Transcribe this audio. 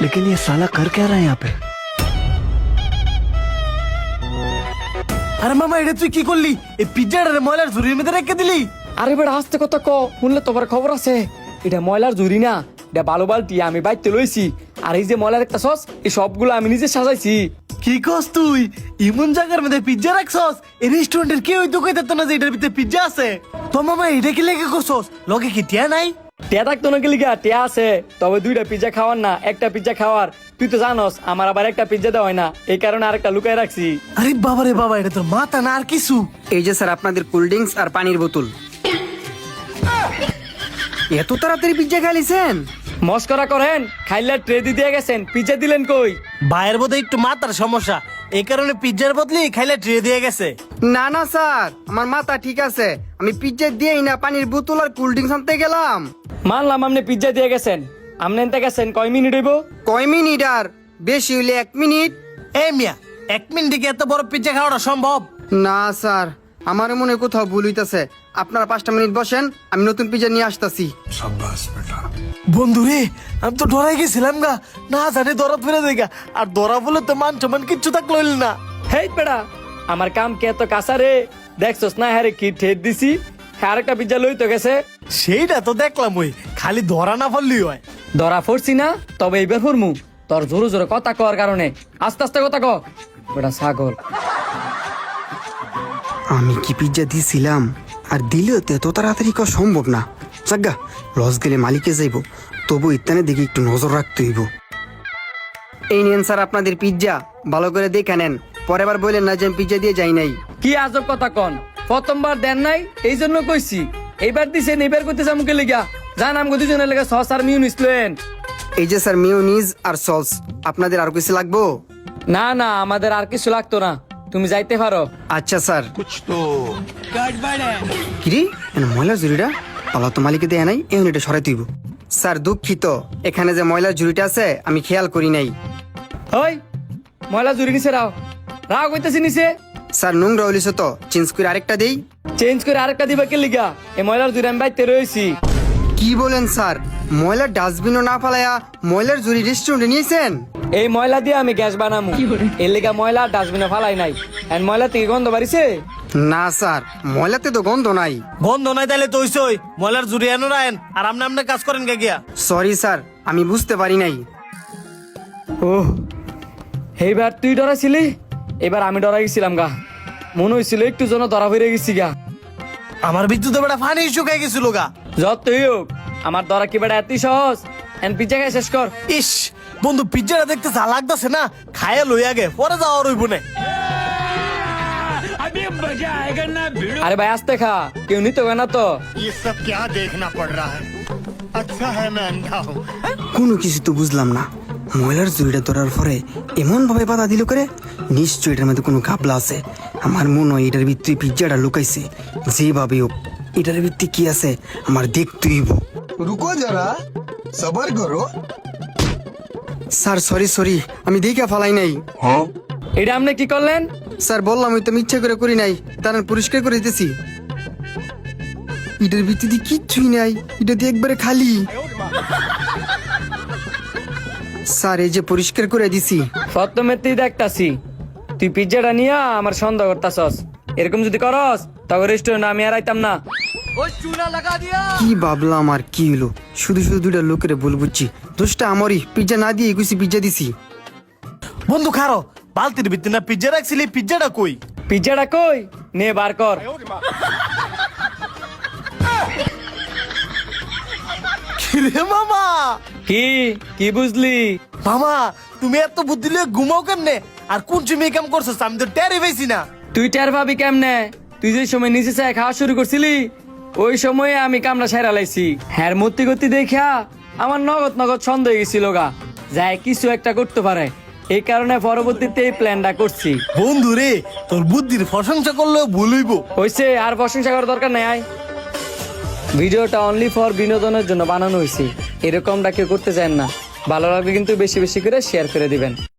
लेकिन ये साला कर क्या रहा है यहाँ पे? আরে মামা এটা তুই কি করলি? এই পিজ্জাটা ময়লার ঝুড়ির মধ্যে রেখে দিলি? আরে বেটা আস্তে কথা ক, শুনলে তোমার খবর আছে। এটা ময়লার ঝুড়ি না, এটা বালু বালতি আমি বাইতে লইছি। আর এই যে ময়লার একটা সস, এই সবগুলো আমি নিজে সাজাইছি। কি কস তুই? ইমন জায়গার মধ্যে পিজ্জা রাখছস? এই রেস্টুরেন্টের কেউ তো কইতে না যে এটার ভিতরে পিজ্জা আছে। তো মামা এটা কি লেগে করছস? লগে কি টিয়া নাই? টিয়া থাকতো নাকি লিগা? টিয়া আছে, তবে দুইটা পিজ্জা খাওয়ার না, একটা পিজ্জা খাওয়ার। তুই তো জানোস আমার আবার একটা পিজ্জা দেওয়া হয় না, এই কারণে আরেকটা লুকায় রাখছি। আরে বাবা রে বাবা, এটা তোর মাথা না আর কিছু? এই যে স্যার আপনাদের কোল্ড ড্রিঙ্কস আর পানির বোতল। এত তাড়াতাড়ি পিজ্জা খাইছেন? মস্করা করেন, খাইলে ট্রে দিয়ে গেছেন, পিজ্জা দিলেন কই? ভাইয়ের বোধহয় একটু মাথার সমস্যা, এই কারণে পিজ্জার বদলে খাইলে ট্রে দিয়ে গেছে। না না স্যার, আমার মাথা ঠিক আছে। আমি পিজ্জা দিয়েই না পানির বোতল আর কোল্ড ড্রিঙ্কস আনতে গেলাম। মানলাম আপনি পিজ্জা দিয়ে গেছেন, আপনি এনতে গেছেন কয় মিনিট হইব? কয় মিনিট আর? বেশি হইলে 1 মিনিট। এই মিয়া, 1 মিনিটে কি এত বড় পিজ্জা খাওয়াটা সম্ভব? না স্যার, আমার মনে হয় কোথাও ভুল হইতাছে। আপনারা 5টা মিনিট বসেন, আমি নতুন পিজ্জা নিয়ে আসতাছি। বন্ধু রে, আমি তো ডরাই গেছিলাম গা, না জানি দরা ফেলে দেখা। আর দরা বলে তো মান সমান কিচ্ছু থাকলো না। হেই বেড়া, আমার কাম কে এত কাঁচা রে? দেখছস না হ্যাঁ কি ঠেট দিছি, হ্যাঁ আরেকটা পিজ্জা লই তো গেছে। সেইটা তো দেখলাম, ওই খালি ধরা না পড়লি হয়। ধরা পড়ছি না, তবে এইবার ফরমু। তোর জোরে জোরে কথা কর কারণে আস্তে আস্তে কথা ক, বেটা ছাগল। আমি কি পিজ্জা দিছিলাম? আর দিলেও তো এত তাড়াতাড়ি করা সম্ভব না। জাগা লস গেলে মালিকে যাইব, তবু ইত্যানে দেখে একটু নজর রাখতে হইব। এই নেন স্যার আপনাদের পিজ্জা, ভালো করে দেখে নেন। পরের বার বললেন না যে আমি পিজ্জা দিয়ে যাই নাই। কি আজব কথা কন, প্রথমবার দেন নাই এই জন্য কইছি, এইবার দিছেন এইবার করতেছে আমাকে লিগা। জান আমগো দুজনের লেগে সস আর মিউনিস লয়েন। এই যে স্যার মিউনিজ আর সস, আপনাদের আর কিছু লাগবো? না না, আমাদের আর কিছু লাগতো না, তুমি যাইতে পারো। আচ্ছা স্যার। কিরে ময়লার ঝুড়িটা পালা তো মালিকে দেয় নাই, এখন এটা সরাই তুইব। স্যার দুঃখিত, এখানে যে ময়লার ঝুড়িটা আছে আমি খেয়াল করি নাই। ওই ময়লা জুড়ি নিছে রাও, রাও কইতেছি নিছে। স্যার নোংরা হইলিস তো, চেঞ্জ করে আরেকটা দেই। চেঞ্জ করে আরেকটা দিবা কে লিগা? এই ময়লার জুড়ি আমি বাইতে রয়েছি। কি বলেন স্যার? ময়লার ডাস্টবিনও না ফালায়া ময়লার ঝুড়ি রেস্টুরেন্টে নিয়েছেন? এই ময়লা দিয়ে আমি গ্যাস বানামু, এর লিগা ময়লা ডাস্টবিনে ফালাই নাই। এন্ড ময়লা থেকে গন্ধ বাড়িছে? না স্যার, ময়লাতে তো গন্ধ নাই। গন্ধ নাই তাইলে তো হইছই, ময়লার জুড়ি এনো রায়েন আর আপনি আপনার কাজ করেন কে গিয়া? সরি স্যার, আমি বুঝতে পারি নাই। ওহ, এইবার তুই ডরাইছিলি, এবার আমি ডরাই গেছিলাম গা। মনে হয়েছিল একটু জন্য ধরা ফিরে গেছি গা। আমার বিদ্যুৎ বেটা ফানি শুকাই গেছিল গা। যতই হোক আমার ধরা কি বেটা এতই সহজ? এন্ড পিজ্জা খাই শেষ কর। ইস বন্ধু, পিজ্জাটা দেখতে যা লাগতেছে না, খায়া লই আগে, পরে যাওয়া রইব না। আরে ভাই আস্তে খা, কেউ নিতে হবে না তো। ये सब क्या देखना पड़ रहा है? अच्छा है मैं अंधा हूँ। কোনো কিছু তো বুঝলাম না। ময়লার ঝুড়িটা ধরার পরে এমন ভাবে বাধা দিল করে, নিশ্চয়ই এটার মধ্যে কোনো ঘাবলা আছে। আমার মনে হয় এটার ভিতরে পিজ্জাটা লুকাইছে। যেভাবে হোক এটার ভিতরে কি আছে আমার দেখতে হইব। रुको जरा सबर करो। স্যার সরি সরি, আমি দেখা ফালাই নাই। এটা আপনি কি করলেন? স্যার বললাম আমি তো ইচ্ছা করে করি নাই, তার পরিষ্কার করে দিতেছি। এটার ভিতরে কিচ্ছুই নাই, এটা দিয়ে একবারে খালি। স্যার এই যে পরিষ্কার করে দিছি। প্রথমে তুই দেখতাছি তুই পিজ্জাটা নিয়ে আমার সন্দেহ করতাছস। এরকম যদি করস তবে রেস্টুরেন্ট আমি আর আইতাম না। কি ভাবলাম আর কি হলো, শুধু শুধু দুইটা লোকের ভুল বুঝছি। দোষটা আমারই, পিজ্জা না দিয়ে একুশি পিজ্জা দিছি। বন্ধু খারো, বালতির ভিতরে না পিজ্জা রাখছিলি, পিজ্জাটা কই? পিজ্জাটা কই? নে বার কর। কিরে মামা? কি কি বুঝলি? মামা তুমি এত বুদ্ধি লিয়ে ঘুমাও কেমনে? আর কোন চুমি কাম করছো আমি তো টেরই পাইছি না। তুই টের পাবি কেমনে? তুই যে সময় নিচে চায় খাওয়া শুরু করছিলি ওই সময়ে আমি কামড়া সাইরা লাইছি। হ্যার মূর্তি গতি দেখা আমার নগদ নগদ সন্দেহ হয়ে গেছিল গা, যায় কিছু একটা করতে পারে। এই কারণে পরবর্তীতে এই প্ল্যানটা করছি। বন্ধু রে, তোর বুদ্ধির প্রশংসা করলেও ভুল হইব। হইছে, আর প্রশংসা করার দরকার নাই। আয়, ভিডিওটা অনলি ফর বিনোদনের জন্য বানানো হয়েছে, এরকমটা কেউ করতে চান না। ভালো লাগলে কিন্তু বেশি বেশি করে শেয়ার করে দিবেন।